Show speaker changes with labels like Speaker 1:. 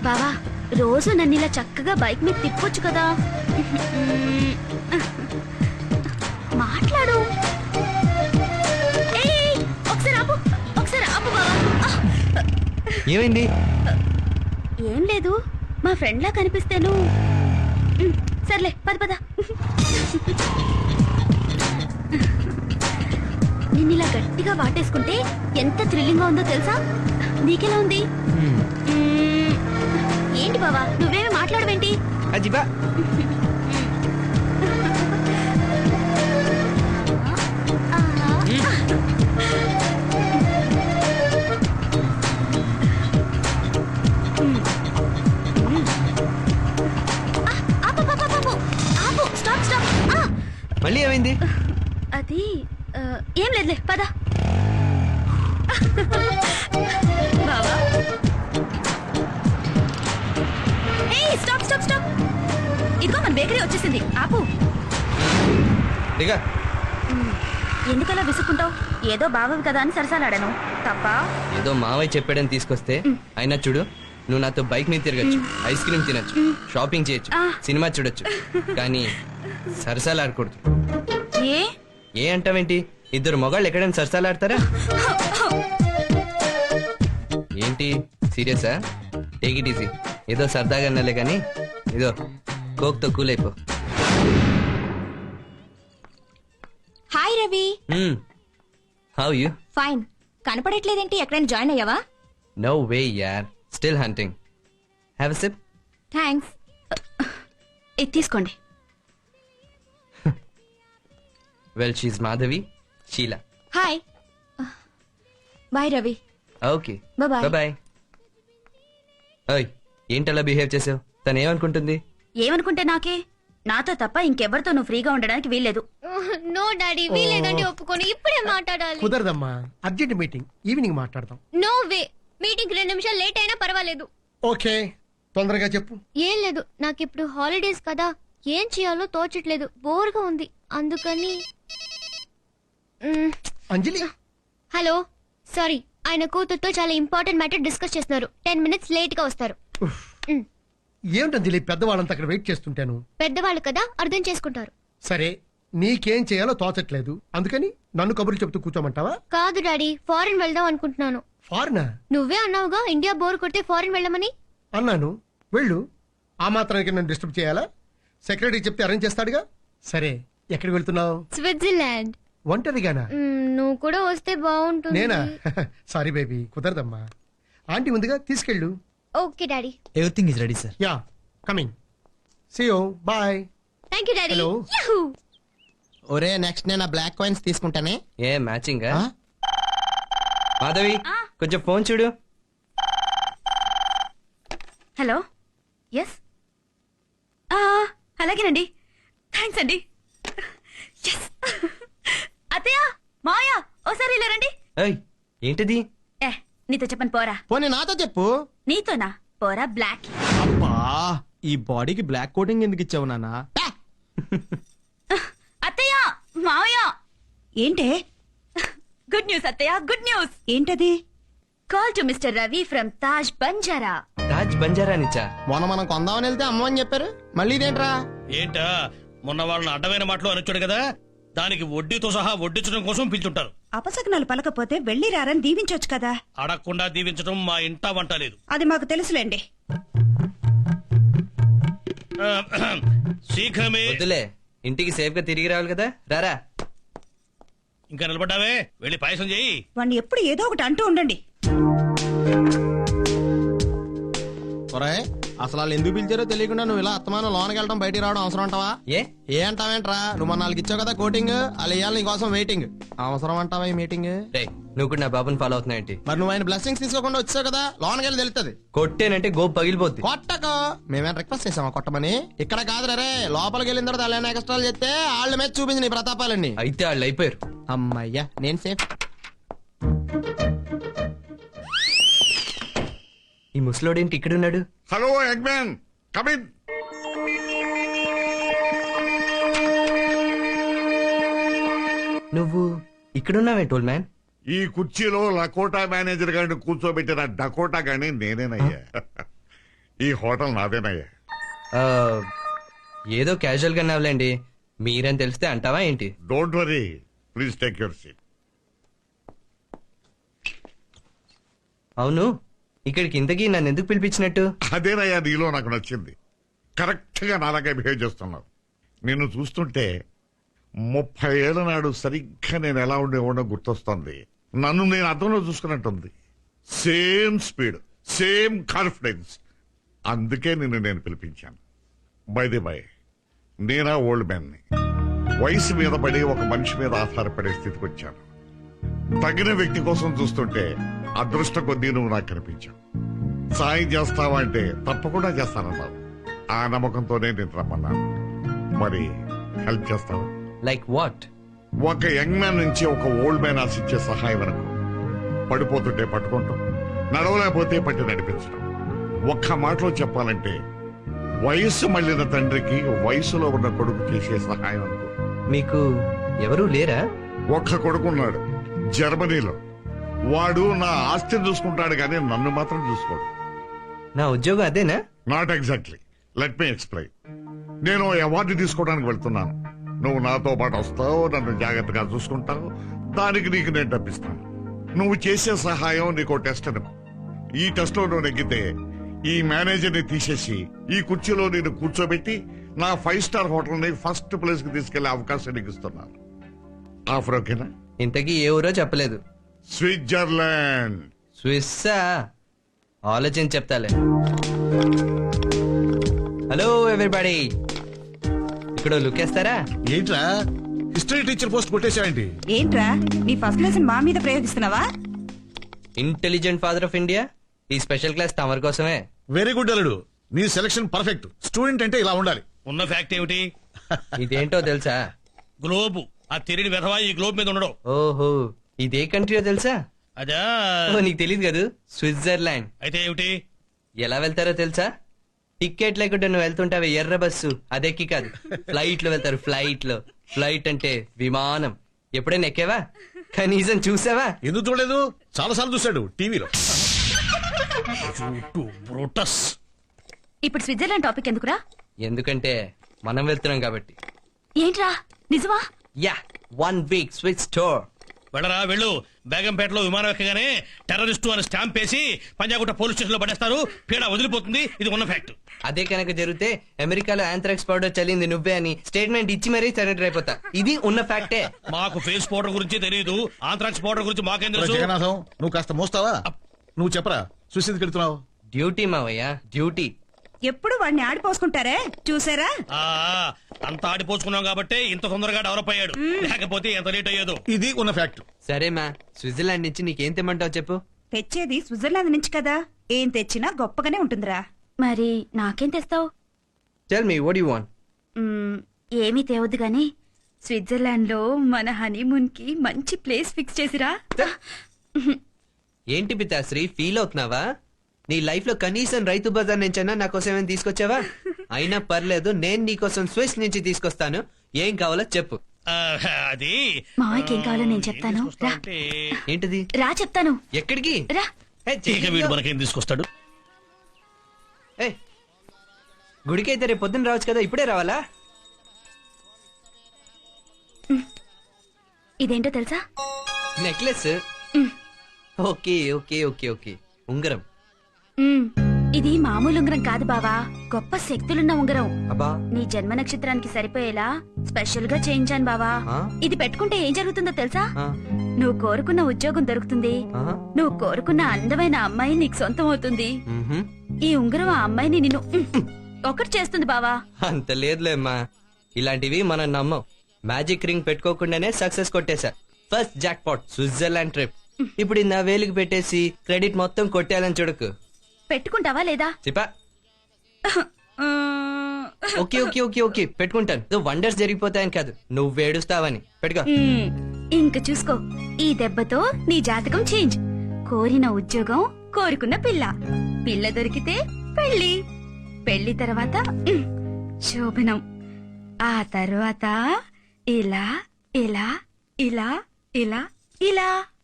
Speaker 1: బావా రోజు నన్ను ఇలా చక్కగా బైక్ మీద తిప్పొచ్చు కదా. మాట్లాడు. ఒకసారి ఆపు బావా.
Speaker 2: ఏమైంది?
Speaker 1: ఏం లేదు, మా ఫ్రెండ్ లా కనిపిస్తేను. సర్లే పద పద. నిన్ను ఇలా గట్టిగా వాటేసుకుంటే ఎంత థ్రిల్లింగ్ గా ఉందో తెలుసా? నీకెలా ఉంది? ఏంటి బావా నువ్వేమి మాట్లాడవేంటి?
Speaker 2: అజిబా మళ్ళీ ఏమైంది?
Speaker 1: అది ఏం లేదులే పద. బావా స్టాప్ స్టాప్ స్టాప్. ఇదిగో మన బేకరీ వచ్చేసింది, ఆపు. ఎందుకలా విసుక్కుంటావు? ఏదో బావవి కదా అని సరసాలాడాను. తప్ప
Speaker 2: ఏదో మావయ్య చెప్పాడని తీసుకొస్తే అయినా చూడు, నువ్వు నాతో బైక్ మీద తిరగచ్చు, ఐస్ క్రీమ్ తినచ్చు, షాపింగ్ చేయొచ్చు, సినిమా చూడొచ్చు, కానీ సరసాలు ఆడకూడదు. ఏ అంటావేంటి? ఇద్దరు మొగాళ్ళు ఎక్కడైనా సరసాలు ఆడతారా ఏంటి? సీరియసా? Take it easy. ఏదో సరదాగా అన్నలే కానీ ఇదో కోక్ తో కూల్ అయిపో.
Speaker 3: Hi Ravi.
Speaker 2: How you?
Speaker 3: Fine. కనపడట్లేదేంటి? ఎక్కడైనా జాయిన్ అయ్యావా?
Speaker 2: నో వే యార్, still hunting. Have a sip.
Speaker 3: Thanks.
Speaker 1: ఇది తీసుకోండి.
Speaker 2: Well she's Madhavi, Sheela.
Speaker 3: Hi. Bye Ravi.
Speaker 2: Okay
Speaker 3: bye
Speaker 2: bye. ఓయ్ ఏంటలా బిహేవ్ చేసావు? తను ఏమనుకుంటుంది?
Speaker 1: ఏమనుకుంటే నాకే? నాతో తప్ప ఇంకెవరితో నువ్వు ఫ్రీగా ఉండడానికి వీల్లేదు.
Speaker 4: నో డాడీ, వీలేదండి. ఒప్పుకొని ఇప్పుడే మాట్లాడాలి.
Speaker 5: కుదరదమ్మా, అర్జెంట్ మీటింగ్, ఈవినింగ్ మాట్లాడదాం.
Speaker 4: No way. మీటింగ్ 2 నిమిషాలు లేట్ అయినా పర్వాలేదు.
Speaker 5: ఓకే, తొందరగా చెప్పు.
Speaker 4: ఏం లేదు, నాకు ఇప్పుడు హాలిడేస్ కదా, ఏం చేయాలో తోచట్లేదు, బోర్గా ఉంది, అందుకని.
Speaker 5: అంజలి.
Speaker 4: హలో, సారీ, ఆయన కూతురుతో చాలా ఇంపార్టెంట్ మ్యాటర్ డిస్కస్ చేస్తున్నారు. 10 minutes లేట్ గా వస్తారు.
Speaker 5: ఏమిటంజలి, పెద్దవాళ్ళంతా అక్కడ వెయిట్ చేస్తుంటాను.
Speaker 4: పెద్దవాళ్ళు కదా, అర్థం చేసుకుంటారు.
Speaker 5: సరే, నీకేం చేయాలో తోచట్లేదు, అందుకని నన్ను కబుర్లు చెప్తూ కూర్చోమంటావా?
Speaker 4: కాదు డాడీ, ఫారెన్ వెళ్దాం అనుకుంటున్నాను.
Speaker 5: ఫారినా?
Speaker 4: నువ్వే అన్నావుగా ఇండియా బోర్ కొడితే ఫారెన్ వెళ్ళమని.
Speaker 5: అన్నాను, వెళ్ళు. ఆ మాత్రానికి నన్ను డిస్టర్బ్ చేయాలా? సెక్రటరీ చెప్తే అరేంజ్ చేస్తాడుగా. సరే, ఎక్కడికి వెళ్తున్నావు?
Speaker 4: స్విట్జర్లాండ్.
Speaker 5: ఒంటరిగానా?
Speaker 4: నువ్వు కూడా వస్తే బాగుంటుంది.
Speaker 5: నేనా? Sorry baby, కుదరదమ్మా. ఆంటీ ఉందిగా, తీసుకెళ్ళు.
Speaker 4: Okay daddy.
Speaker 6: Everything is ready sir.
Speaker 5: Ya, coming. See you, bye.
Speaker 4: Thank you daddy.
Speaker 5: Hello.
Speaker 6: ఒరే నెక్స్ట్ నేను బ్లాక్ కాయిన్స్ తీసుకుంటానే.
Speaker 2: ఏ మ్యాచింగ్? మాధవి కొంచెం ఫోన్ చూడు.
Speaker 1: హలో, ఎస్, అలాగేనండి, థ్యాంక్స్ అండి. అత్తయ్య, మాయా, ఓసారి ఇలా రండి.
Speaker 2: ఏంటిది?
Speaker 1: నీతో చెప్పను పోరా.
Speaker 6: పోనీ నాతో చెప్పు.
Speaker 1: నీతోనా? పోరా బ్లాక్.
Speaker 6: అబ్బా, ఈ బాడీకి బ్లాక్ కోటింగ్ ఎందుకు ఇచ్చావు నాన్న?
Speaker 1: అత్తయ్య, మావయ్య.
Speaker 7: ఏంటే?
Speaker 1: గుడ్ న్యూస్ అత్తయ్య, గుడ్ న్యూస్.
Speaker 7: ఏంటది?
Speaker 1: Call to mister Ravi from Taj Banjara.
Speaker 2: Taj Banjara నిచ్చా?
Speaker 6: మొన్న మనం కొందామని వెళ్తే అమ్మని చెప్పారు, మళ్ళీ ఇదేంట్రా?
Speaker 8: ఏంటా, మొన్న వాళ్ళని అడ్డమైన మాటలు అనొచ్చాడు కదా, దానికి వడ్డీతో సహా వడ్డించడం కోసం పిలుచుంటారు.
Speaker 7: అపశకునాలు పలకపోతే వెళ్లి రారని దీవించొచ్చు కదా.
Speaker 8: అడగకుండా దీవించడం మా ఇంటా వంట లేదు.
Speaker 7: అది మాకు తెలుసులేండి.
Speaker 8: శీఘ్రమే.
Speaker 2: వద్దులే, ఇంటికి సేఫ్ గా తిరిగి రావాలి కదా. రారా.
Speaker 8: ఇంకా నిలబడ్డావే, వెళ్ళి పాయసం చేయి.
Speaker 7: వాణ్ణి ఎప్పుడు ఏదో ఒకటి అంటూ ఉండండి.
Speaker 6: అసలు వాళ్ళు ఎందుకు పిలిచారో తెలియకుండా నువ్వు ఇలా అత్తమానం లోనకి వెళ్ళడం బయటికి రావడం అవసరం అంటావా? ఏ అంటావేంట్రా? నువ్వు మన 4 ఇచ్చావు కదా కోటింగ్, వాళ్ళు ఇవ్వాలి నీకోసం వెయిటింగ్. అవసరం అంటావా ఈ మీటింగ్?
Speaker 2: నువ్వు కూడా నా బాబుని ఫాలో అవుతున్నాయంటి?
Speaker 6: మరి నువ్వు ఆయన బ్లెస్సింగ్స్ తీసుకోకుండా వచ్చావు కదా, లోనకి వెళ్ళి తెలుస్తుంది.
Speaker 2: కొట్టేనంటే గోపు పగిలిపోద్ది.
Speaker 6: కొట్టకు, మేమేం రిక్వెస్ట్ చేసామా కొట్టమని? ఇక్కడ కాదు రే, లోపలికి వెళ్ళిన తర్వాత అలా ఎక్స్ట్రాలు చేస్తే వాళ్ళ మీద చూపించి నీ ప్రతాపాలన్నీ.
Speaker 2: అయితే వాళ్ళు అయిపోయారు.
Speaker 6: అమ్మయ్యా, నేను సేఫ్.
Speaker 2: ఈ ముసలోడేంటి ఇక్కడ ఉన్నాడు?
Speaker 9: Hello eggman, come in.
Speaker 2: నువ్వు ఇక్కడున్నావే టోల్ మ్యాన్?
Speaker 9: ఈ కుర్చీలో లకోటా మేనేజర్ గారిని కూర్చోబెట్టిన డకోటా గానీ నేనేనయ్యా. ఈ హోటల్ నాదేనయ్యా.
Speaker 2: ఆ, ఏదో క్యాజువల్ గా నవ్వలేండి. మీరని తెలిస్తే అంటావా ఏంటి?
Speaker 9: Don't worry, please take your seat.
Speaker 2: అవును, ఇక్కడికి ఇంతకీ నన్ను ఎందుకు పిలిపించినట్టు?
Speaker 9: అదేనయ్యా నీలో నాకు నచ్చింది. కరెక్ట్ గా నాలాగే బిహేవ్ చేస్తున్నావు. నిన్ను చూస్తుంటే 30 ఏళ్ల నాడు సరిగ్గా నేను ఎలా ఉండేవాడో గుర్తొస్తుంది. నన్ను నేను అర్థంలో చూసుకున్నట్టుంది. Same speed, same confidence. అందుకే నిన్ను నేను పిలిపించాను. బై ది బై, నేనా ఓల్డ్ మ్యాన్ని. వయసు మీద పడి ఒక మనిషి మీద ఆధారపడే స్థితికి వచ్చాను. తగిన వ్యక్తి కోసం చూస్తుంటే అదృష్ట కొద్దీ నువ్వు నాకు కనిపించావు. సాయం చేస్తావా అంటే తప్పకుండా చేస్తానన్నావు. ఆ నమ్మకంతోనే నేను రమ్మన్నాను. మరి హెల్ప్ చేస్తావా?
Speaker 2: Like what?
Speaker 9: ఒక యంగ్ మ్యాన్ నుంచి ఒక ఓల్డ్ మ్యాన్ ఆశించే సహాయం వరకు. పడిపోతుంటే పట్టుకుంటాం, నడవలేకపోతే పట్టి నడిపించడం. ఒక్క మాటలో చెప్పాలంటే వయస్సు మళ్ళిన తండ్రికి వయసులో ఉన్న కొడుకు చేసే సహాయం అనుకో.
Speaker 2: మీకు ఎవరూ లేరా?
Speaker 9: ఒక్క కొడుకున్నాడు జర్మనీలో. వాడు నా ఆస్తిని చూసుకుంటాడు కానీ నన్ను మాత్రం చూసుకోడు.
Speaker 2: నా ఉద్యోగం అదేనా?
Speaker 9: Not exactly. Let me explain. నేను అవార్డు తీసుకోవడానికి వెళ్తున్నాను. నువ్వు నాతో పాటు వస్తావు, నన్ను జాగ్రత్తగా చూసుకుంటావు. దానికి నీకు నేను డబ్బిస్తాను. నువ్వు చేసే సహాయం నీకు టెస్ట్ అనుకో. ఈ టెస్ట్ లో నువ్వు నెగ్గితే ఈ మేనేజర్ ని తీసేసి ఈ కుర్చీలో నేను కూర్చోబెట్టి నా 5 స్టార్ హోటల్ ని ఫస్ట్ ప్లేస్ కి తీసుకెళ్లే అవకాశం నీకు ఇస్తున్నాను. ఆఫర్ ఓకేనా?
Speaker 2: ఇంతకీ ఏ ఊరో చెప్పలేదు.
Speaker 9: స్విట్జర్లాండ్.
Speaker 2: స్విస్సా? ఆలోచించి చెప్తాలే. హలో ఎవ్రీబడి, ఇక్కడ లుకేస్తారా?
Speaker 10: ఏంట్రా హిస్టరీ టీచర్ పోస్ట్ కొట్టేశావేంటి?
Speaker 7: ఏంట్రా నీ ఫస్ట్ లెసన్ మా మీద ప్రయోగిస్తున్నావా?
Speaker 2: ఇంటెలిజెంట్ ఫాదర్ ఆఫ్ ఇండియా, ఈ స్పెషల్ క్లాస్ తమరి కోసమే.
Speaker 10: వెరీ గుడ్ అల్లుడు, నీ సెలక్షన్ పర్ఫెక్ట్. స్టూడెంట్ అంటే ఇలా ఉండాలి.
Speaker 8: ఉన్న ఫ్యాక్ట్ ఏమిటి?
Speaker 2: ఇదేంటో తెలుసా?
Speaker 8: గ్లోబ్. ఆ తిరిగి వెధవా ఈ గ్లోబ్ మీద ఉండడం.
Speaker 2: ఓహో, ఇదే కంట్రీయో తెలుసా?
Speaker 8: అదా?
Speaker 2: ఓ, నీకు తెలియదు కదా, స్విట్జర్లాండ్.
Speaker 8: అయితే ఏమిటి?
Speaker 2: ఎలా వెళ్తారో తెలుసా? టికెట్ లేకుండా నువ్వు వెళ్తుంటావే ఎర్ర బస్సు, అదెక్కి కాదు, ఫ్లైట్ లో వెళ్తారు. ఫ్లైట్ లో. ఫ్లైట్ అంటే విమానం. ఎప్పుడైనా ఎక్కేవా? కనీసం చూసావా?
Speaker 10: ఎందుకు చూడలేదు? చాలా సార్లు చూశాడు టీవీలో.
Speaker 8: బ్రూటస్.
Speaker 1: ఇప్పుడు స్విట్జర్లాండ్ టాపిక్ ఎందుకురా?
Speaker 2: ఎందుకంటే మనం వెళ్తున్నాం కాబట్టి.
Speaker 1: ఏంట్రా నిజమా?
Speaker 2: Ya, 1 week Swiss tour.
Speaker 8: వెళ్ళరా వెళ్ళు. బేగంపేటలో విమానం ఎక్కగానే టెర్రరిస్టు అని స్టాంప్ వేసి పంజాగుట్ట పోలీస్ స్టేషన్ లో పడేస్తారు. పీడ వదిలిపోతుంది. ఇది ఉన్న ఫ్యాక్ట్.
Speaker 2: అదే కనుక జరిగితే అమెరికాలో ఆంథ్రాక్స్ పౌడర్ చల్లింది నువ్వే అని స్టేట్మెంట్ ఇచ్చి మరీ సరెండర్ అయిపోతా. ఇది ఉన్న ఫ్యాక్టే.
Speaker 8: మాకు ఫేస్ పౌడర్ గురించి తెలియదు. ఆంథ్రాక్స్ పౌడర్ గురించి మాకేం తెలుసు?
Speaker 10: జగన్నాథం, నువ్వు కాస్త మోస్తావా? నువ్వు చెప్పరా, చూసింది వెళ్తున్నావు.
Speaker 2: డ్యూటీ మావయ్య, డ్యూటీ.
Speaker 7: ఎప్పుడు వాడిని ఆడిపోసుకుంటారే చూసారా?
Speaker 8: ఆ అంత ఆడిపోసుకున్నాం కాబట్టి ఇంత తొందరగా డెవలప్ అయ్యాడు. లేకపోతే ఎంత లేట్ అయ్యేదో.
Speaker 10: ఇది ఉన్న ఫ్యాక్ట్.
Speaker 2: సరే మా, స్విట్జర్లాండ్ నుంచి నీకేం తెమ్మంటావు చెప్పు.
Speaker 7: తెచ్చేది స్విట్జర్లాండ్ నుంచి కదా, ఏం తెచ్చినా గొప్పగానే ఉంటుందిరా.
Speaker 1: మరి నాకేం తెస్తావు?
Speaker 2: Tell me what you want.
Speaker 1: ఏమీ తేవద్దు గాని స్విట్జర్లాండ్ లో మన హనీమూన్ కి మంచి ప్లేస్ ఫిక్స్ చేసిరా.
Speaker 2: ఏంటి పితాశ్రీ, ఫీల్ అవుతున్నావా? నీ లైఫ్ లో కనీసం రైతు బజార్ నుంచైనా నా కోసం ఏమైనా తీసుకొచ్చావా? అయినా పర్లేదు, నేను నీకోసం స్విస్ నుంచి తీసుకొస్తాను. ఏం కావాలో చెప్పు.
Speaker 8: అది
Speaker 1: మావయ్యకి ఏం కావాలో నేను చెప్తాను. రా.
Speaker 2: ఏంటిది?
Speaker 1: రా చెప్తాను.
Speaker 2: ఎక్కడికి?
Speaker 1: రా.
Speaker 8: ఇక వీడు మనకేం తీసుకొస్తాడు?
Speaker 2: ఏయ్, గుడికైతే రేపు పొద్దున్న రావచ్చు కదా, ఇప్పుడే రావాలా?
Speaker 1: ఇదేంటో తెలుసా?
Speaker 2: Necklace. Okay okay okay okay. ఉంగరం.
Speaker 1: ఇది మామూలు ఉంగరం కాదు బావా, గొప్ప శక్తులున్న ఉంగరం.
Speaker 2: అబ్బా,
Speaker 1: నీ జన్మ నక్షత్రానికి సరిపోయేలా స్పెషల్ గా చేయించాను బావా.
Speaker 2: ఆ?
Speaker 1: ఇది పెట్టుకుంటే ఏం జరుగుతుందో తెలుసా?
Speaker 2: ఆ,
Speaker 1: నువ్వు కోరుకున్న ఉద్యోగం దొరుకుతుంది.
Speaker 2: ఆ,
Speaker 1: నువ్వు కోరుకున్న అందమైన అమ్మాయి నీకు సొంతం అవుతుంది.
Speaker 2: మ్హూ.
Speaker 1: ఈ ఉంగరం ఆ అమ్మాయిని నిన్ను ఒకటి చేస్తుంది బావా.
Speaker 2: అంత లేదులేమ్మా, ఇలాంటివి మనం నమ్మం. మ్యాజిక్ రింగ్ పెట్టుకోకుండానే సక్సెస్ కొట్టేశా. First jackpot Switzerland trip. ఇప్పుడు నా వేలికి పెట్టేసి క్రెడిట్ మొత్తం కొట్టేయాలని చూడకు.
Speaker 1: పెట్టుకుంటావా లేదా?
Speaker 2: చెప్పా. ఓకే ఓకే ఓకే ఓకే పెట్టుకుంటాను. వండర్స్ జరిగిపోతాయని కాదు, నువ్వు ఏడుస్తావని. పెట్టుకో.
Speaker 1: ఇంక చూసుకో, ఈ దెబ్బతో నీ జాతకం చేంజ్. కోరిన ఉద్యోగం, కోరుకున్న పిల్ల. పిల్ల దొరికితే పెళ్లి. పెళ్లి తర్వాత శోభనం. ఆ తర్వాత ఇలా ఇలా ఇలా ఇలా ఇలా.